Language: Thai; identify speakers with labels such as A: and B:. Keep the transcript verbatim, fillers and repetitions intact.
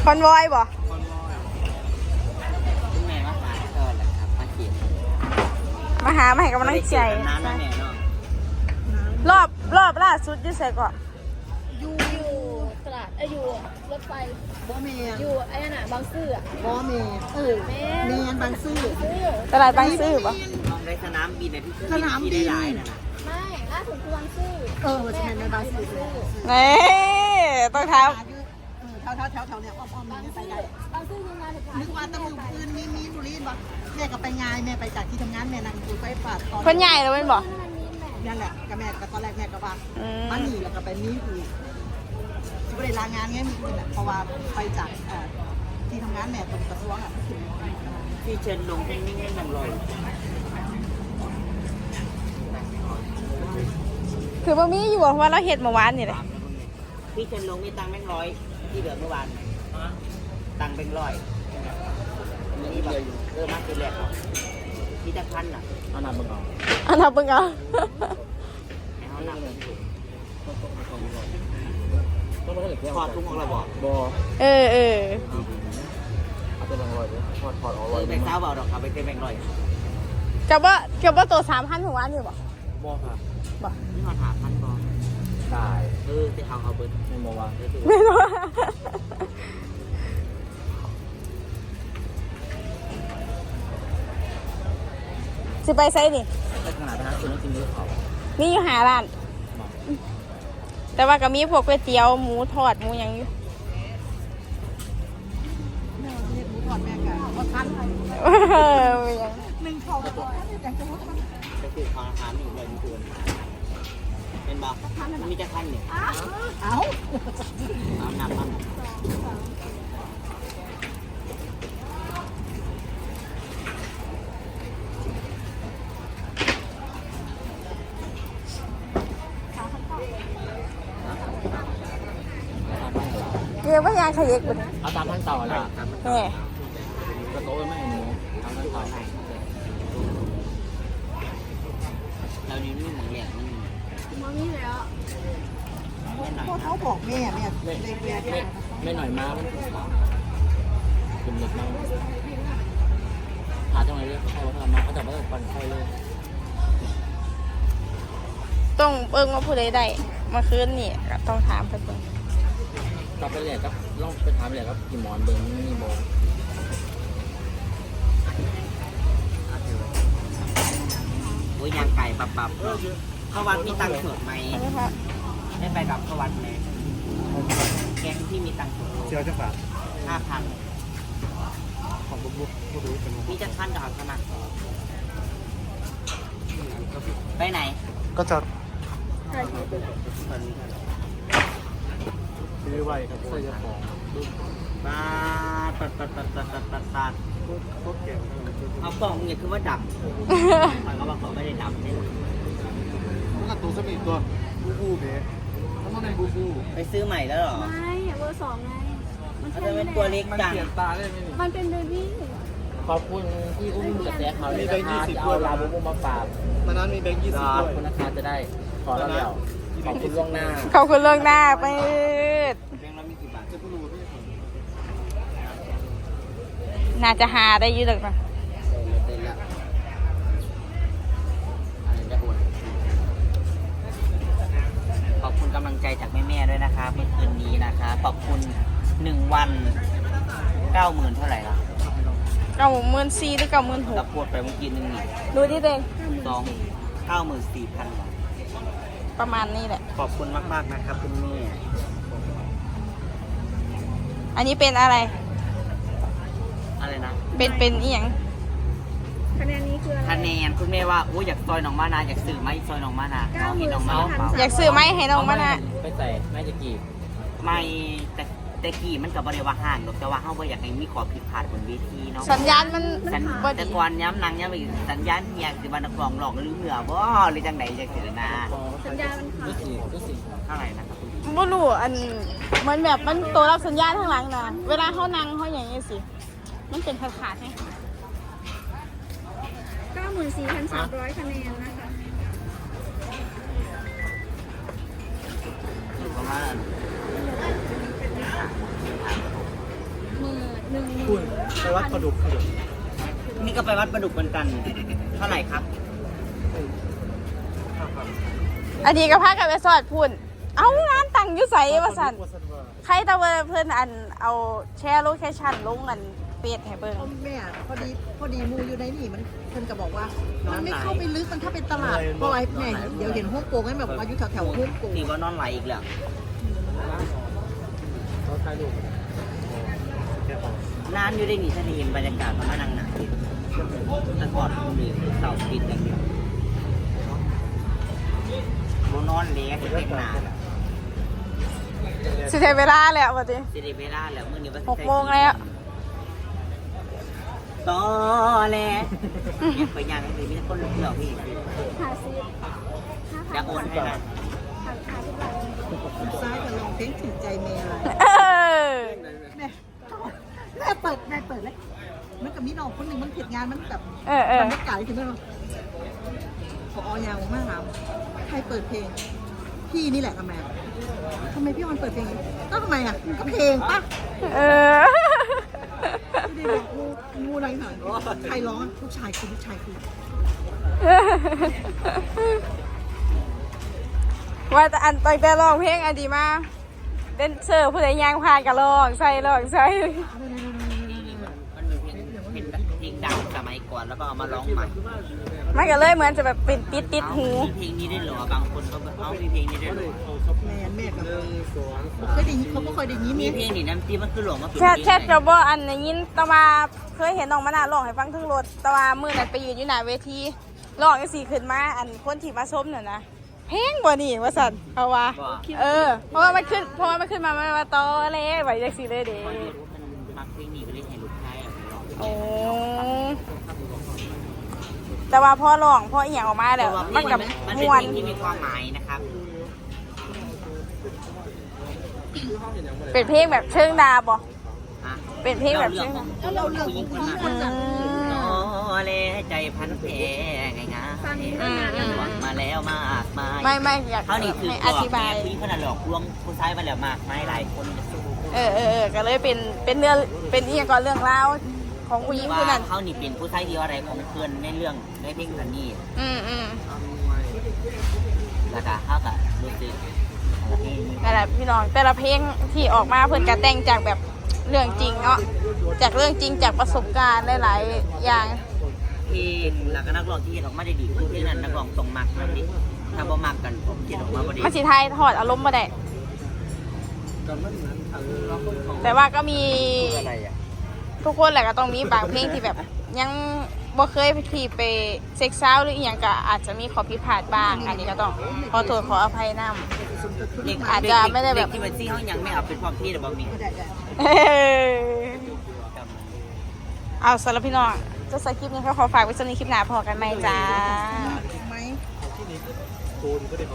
A: อนวอยบ่
B: คุณแม่มาหาก็แหละครับมาเขียน
A: มาหามาให้กำลังใจรอบรอบล่าสุดอยู่ไสก่อน
C: อยู่อยู่ตลาดเอ้ยอยู่รถไฟ
D: บ่เมน
C: อยู่ไอ้นั่นน่ะบางซื่ออ่ะ
D: บ่เมนเออเมนบางซื่อ
A: ตลาดบางซื่อป่ะ
B: มองในสนามบินในที่สนามบินได้หลายนะ
C: ไม่ล่าสุดคือบางซื่อ
D: เออใช่ในบางซื่อ
A: นี่ต้องเท้า
D: แถวแถวแถวแถวเนี่ยอ้อมๆนี่ไปได้
C: บางซื่อยังงานถึง
D: นึกว่าตะมือปืนมีมีบุรีบ่แม่ก็ไปงานแม่ไปจากที่ทำงานแม่นั่งอยู่ไฟฟ้าตอน
A: คนใหญ่เลยเป็นบ่
D: นั่นแหละกับแม่ก็ตอนแรกแม่ก็ว่ามาหนีแล้วก็ไปมีอยู่ที่บริลางานไงมีคนอ่ะเพราะว่าไปจากที่ทำงานแม่ตรงกระทรวงอ่ะ
B: ที่เชิญลงนิ่งๆนั่งรอ
A: คือบ่มีอยู่เพราะว่าเราเห็ดเมื่อวานนี่แหละ
B: พี่เชิญลงมีตังค์แบงค์ร้อยที่เหลือเมื่อวานตังค์แบงค์ร้อยนี่แบบเออมากเป็นแรกที่จะพันอ่ะ
E: อันนั้นมึงเอา
A: อันนั้นมึงเอา
B: ถอดทุ่งออกแล้วบอก
E: บอ
A: เออเออ
E: เอาเป็นแบงค์ร้อยเลยถอดถอดออก
B: เลยแบงค์เท้าเบาดอกครับไปเป็นแบงค์ร้อย
A: กับว่ากับว่าตัวสามพันถึงวันอยู่บ่
E: บอค่ะ
A: บ่
B: นี่มาถามพันบอ
E: ได้
B: เออจะเอาเอาเบิร์ด
E: ไม่บอกว่า
A: ไม่รู้สิไปไซนี่
E: แต่ขนาดนั้นคุณต้องกินด้วยเขา
A: มีอยู่หาร้านแต่ว่าก็มีพวกก๋วยเตี๋ยวหมูทอดหมูยังอยู่
D: แม่เรียกหมูทอดแม่กันว่าทันหนึ่งเขาก็แต่จะว่าทัน
B: จะคืออาหารอยู่เลยมีตัวเป็นบ้ามีจะทันเนี่ย
D: เอา
B: เอาหนักมัน
A: เกี่ยวกับยางขยิกบุญ
E: เอาตามขั้นตอนละ
A: นี่
E: กระโต๊ะไม่หนูตามขั้นตอน
B: เรานี่นี่มึงเนี่ยมัน
C: มองนี่แล้ว
D: พ่อเขาบอกแม่แม่เด็กแม่
E: ไม่หน่อยมามันเป็นเล็กมากหาจังเลยเลยเขาทำมาเขาจะมาปั่นไฟเลย
A: ต้องเบิ่งว่าผู้ใดได้มาคืนนี่ต้องถามเพิ่นเบิ่ง
E: กลับไปเลยครับลองไปถามเลยครับกี่หมอนเบิ้งนี่โม
B: โอ้ยยางไก่ปับปับเข้าวัดมีตังค์สดไหมได้ไปกับเข้าวัดไหมแกงที่มีตังค์สด
E: เชียวจะฝาก
B: ห้าพัน
E: ของบุ๊กบุ๊กบุ๊กบุ๊กเป็น
B: มีจะท่านดาวสมัครไปไหน
E: ก็จะซื้อไว้ครับใส่ยาของ
B: ปาดปัดปัดปัดปัดปัดปัดปัดเอากล่องเนี่ยคือว่าดำเขาบอกเขาไม่ได้ดำเนี่ย
E: มันกระตุ้นสักอีกตัวบูบูเบ๋มันต้องเป็นบูบู
B: ไปซื้อใหม่แล้วหรอ
C: ไม่เบอร์สองไง
B: มันจะเป็นตัวเล็กจัง
C: มันเป็นเบบี้
E: ขอบคุณที่อุ้มกระแสข่าวมีแบงค์ยี่สิบเอาลาบูบูมาฝาก
D: มันนั้นมีแบงค์ยี่สิบ
E: ขอบคุณนะคะจะได้ขอแล้วเดี๋ยวขอบคุณล่วงหน้า
A: ขอบคุณล่วงหน้าไป
B: แบงค์เรามีกี่บาทจะพูดรู้พี่
A: น่าจะหาได้ยืดหรอกนะ
B: ขอบคุณกำลังใจจากแม่ๆด้วยนะคะเมื่อคืนนี้นะคะขอบคุณหนึ่งวันเก้าหมื่นเท่าไหร่ล่ะ
A: เก้าหมื่นสี่หรือเก้าหมื่นหก
B: เราปวดไปเมื่อกี้นึงนี่
A: ดูดิเด้ง
B: สองเก้าหมื่นสี่พัน
A: ประมาณนี้แหละ
B: ขอบคุณมากๆนะครับคุณแม่
A: อันนี้เป็นอะไร
B: อะไรนะ
A: เป็นเป็นอีหยัง
C: คะแนนนี้คืออะไร
B: คะแนนคุณแม่ว่าโอ้อยากซอยน้องมานาอยากซื้อไหมซอยน้องมานาน้องเห็นน้องมานา
A: อยากซื้อไหมให้น้องมานา
E: ไปใส่แม่จะกี่
B: ไม่แต่แต่กี่มันกับบริวารห่างหรอกแต่ว่าเขาบ่อยากให้มีขอผิดพลาดบนเวทีเนาะ
A: สัญญาณมัน
B: แต่ก่อนย้ำนางย้ำอีกสัญญาณเฮียคือวันนักร้องหลอกหรือเหนือบ่หรือจังไหนจะเกิดนะ
C: สัญญาณมันขาด
B: เท่าไหร่นะครับ
A: บ่รู้อันมันแบบมันตัวรับสัญญาณข้างหลังนะเวลาเขานั่งเขาอย่างนี้สิมันเป็นขาดขาดให้
C: เก้าหมื่นสี่พันสามร้อยคะแนนนะคะ
B: อยู่ประมาณ
E: ไปวัดประดุก
B: นี่ก็ไปวัดประดุกเหมือนกัน เท่าไหร่ครับ
A: อันนี้ก็พากันไปสอดพุ่นเอางานตังอยู่ใส่ว่าสันใครตะเวนเพื่อนอันเอาแชร์โลเคชั่นลงกันเปียดให้เบิ่ง
D: พ่อแม่พอดีพอดีมูอยู่ในนี่มันเพิ่นก็บอกว่า มันไม่เข้าไปลึกมันถ้าเป็นตลาดเพราะไอ้แม่เดี๋ยวเห็นฮ่องกงให้แบบว่าอยู่แถวแถวฮ่องกง
B: นี่ว่านอนไหลอีกแล้ว
E: เขาถ่ายรูป
B: นานอยู่ได้หนีฉันเห็นบรรยากาศมันมานั่งหนักดิแต่ก่อนมันมีเสาปิดอย่างเดียวโมนอนเลี้ยงเต็มหนา
A: สิใช้เวลาแล้วว่าติ
B: สิริเวลาแล้วมื้อนี้ว่า
A: หกโมงแล้ว
B: ต่อแล้วไปยังเลยมีแต่คนเหลือพี่
C: หาซื้อ
B: อยากโอนให้นะ
C: หาหาที่บ้าน
D: ซ้ายจะลองเพลงถึงใจเมย์อะไร
A: เออ
D: แม่แม่เปิดแม่เปิดเลยมันกับมีน้องคนหนึ่งมันผิดงานมันแบบ
A: เออเออ
D: มันไม่ไก่ถึงไหมพออยาวมากครับใครเปิดเพลง พี่นี่แหละทำไมอะทำไมพี่ออนเปิดเพลงก็ทำไมอ่ะก็เพลงปะ
A: เออ
D: ไม่ได้บอกงูงูอะไรหน่อยใครร้องอะลูกชายคือลูกชายคือ
A: ว่าแต่อันต่อยแต่ร้องเพลงอันดีมากเดนเซอร์ผู้ใดยางพานก็ร้องใส่ร้องใส่
B: มันมีเพลงเพลงเพลงดังสมัยก่อนแล้วก็เอามาร้องใหม่
A: มันก็เลยเหมือนจะแบบเป็นติดติดหู
B: มีเพลงนี้ได้เหรอบางคนก็แบบเอ้ามีเพลงนี้ได้เหรอ
D: แม่แม่กับเคยได้ยินเขาก็เคยได้ยิน
B: มี
D: นี่
B: เพลงนี่น้ำจิ้มมันคือหลวงมาเป็น
A: แค่
B: เพลง
A: แค่
B: ไหน
A: จะบอกอันในยินแตะมาเคยเห็นน้องมะนาวร้องให้ฟังทั้งรถแตะมามือนั้นไปยืนอยู่หน้าเวทีร้องจังซี่ขึ้นมาอันคนที่มาชมน่ะนะเพลงบ่นี่ว่าซั่นเพราะว่า
B: บอก
A: เออ เพราะว่ามันขึ้น เพราะว่ามันขึ้นมามันมาตอเลยไว้จังซี่เลยเด้
B: คนรู้มันมักเพลงนี้ก็เลยให้ลูกชายเอาไปร้อง
A: โอ้แต่ว่าพอร้องพออีหยังออกมา
B: เพ
A: แล้ว
B: ราะว่าเพล
A: มัน
B: ง
A: กับ
B: มันเป็น
A: ม่ว
B: เพ
A: น
B: ลงที่มีความหมายนะครับ
A: เป็นเพลงแบบเชิงดาบ่
B: อ่ะ
A: เป็นเพลงแบบ
B: เรื่อง
A: เชิง
B: ของ
A: ดา
B: เราเรื่องของผู้หญิงคนนั้น
A: อืม
B: โอ้เลใจพันแผลง่ายๆหวังมาแล้วมากมาย
A: ไม่ไม่อยาก
B: เขานี่คือ
A: ให้
B: ห
A: อ
B: ลอก
A: ธิบา
B: แม่
A: ย
B: ผู้หญิงคนนั้นหลอกลวงผู้ชายมาแล้วมากมายหลายคนจะสู้
A: เออเออเออก็เลยเป็นเป็นเรื่องเป็นอีหยังก่อนเรื่องราวของผู้หญิงคนนั้น
B: ว่าเขานี่เป็นผู้ชายเดียวอะไรของเพื่อนในเรื่องในเพลงคันนี้
A: อืมอืม
B: แล้วก็เขาก็รู้สึกอะไรเพลงนี้
A: นั่นแหละพี่น้องแต่ละเพลงที่ออกมาเพื่อนก็แต่งจากแบบเรื่องจริงเนาะจากเรื่องจริงจากประสบการณ์หลายๆอย่าง
B: เพลงแล้วก็นักร้องที่เห็นออกมาได้ดีคือเพลงนั้นนักร้องต้องมักนั่นดิถ้าบ่มักกันผมเขียนออกมาบ่ดี
A: มันสิไทยถอดอารมณ์มาได้แต่ว่าก็มี
B: อะไรอ่ะ
A: ทุกคนแหละก็ต้องมีบางเพลงที่แบบ ยังบ่เคยที่ไปเซ็กซ์ซาวหรืออีหยังก็อาจจะมีขอผิดพลาดบ้างอันนี้ก็ต้องขอโทษขออภัยนำ
B: เด็ก
A: อาจจะไม่ได้แบบ
B: เด็กที่มันซี่เขายังไม่เอาเป็นความพี่แต่บ่มี
A: เออเอาสำหรับพี่น้องจะใส่คลิปนี้เขาขอฝากไว้สำหรับคลิปหน้าพอกันไหมจ้า
D: ไหม
E: ที่นี้โดนก็ได้